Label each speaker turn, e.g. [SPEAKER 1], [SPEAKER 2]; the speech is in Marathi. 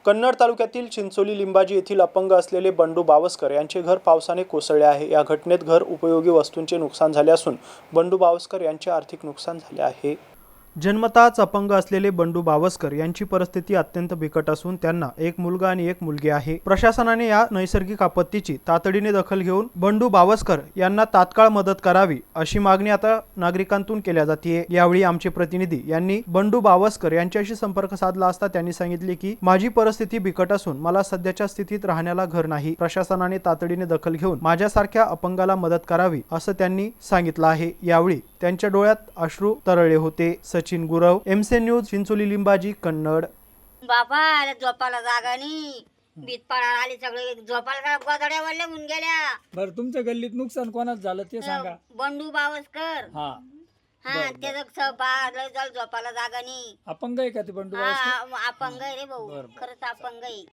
[SPEAKER 1] कन्नड तालुक्यातील चिंचोली लिंबाजी येथील अपंग असलेले बंडू बावस्कर यांचे घर पावसाने कोसळले आहे। या घटनेत घर उपयोगी वस्तूंचे नुकसान झाले असून बंडू बावस्कर यांचे आर्थिक नुकसान झाले आहे। जन्मताच अपंग असलेले बंडू बावस्कर यांची परिस्थिती अत्यंत बिकट असून त्यांना एक मुलगा आणि एक मुलगी आहे। प्रशासनाने या नैसर्गिक आपत्तीची तातडीने दखल घेऊन बंडू बावस्कर यांना तात्काळ मदत करावी अशी मागणी आता नागरिकांतून केल्या जाते। यावेळी आमचे प्रतिनिधी यांनी बंडू बावस्कर यांच्याशी संपर्क साधला असता त्यांनी सांगितले की माझी परिस्थिती बिकट असून मला सध्याच्या स्थितीत राहण्याला घर नाही। प्रशासनाने तातडीने दखल घेऊन माझ्यासारख्या अपंगाला मदत करावी असं त्यांनी सांगितलं आहे। यावेळी त्यांच्या डोळ्यात अश्रू तरळले होते। Sachin Gurav, MC news, Chincholi Limbaji, Kannad.
[SPEAKER 2] बाबा झोपाला जागा नाही, बीत पडायला आली, सगळे झोपाला गोधड्या वळल्या होऊन गेल्या।
[SPEAKER 3] बरं, तुमच्या गल्लीत नुकसान कोणाच झालं ते सांगा।
[SPEAKER 2] बंडू बावस्कर
[SPEAKER 3] हा
[SPEAKER 2] हा, त्याचं झोपाला जागा नाही।
[SPEAKER 3] अपंग आहे का ते बंडू?
[SPEAKER 2] हा, अपंग आहे रे भाऊ, खरंच अपंग आहे।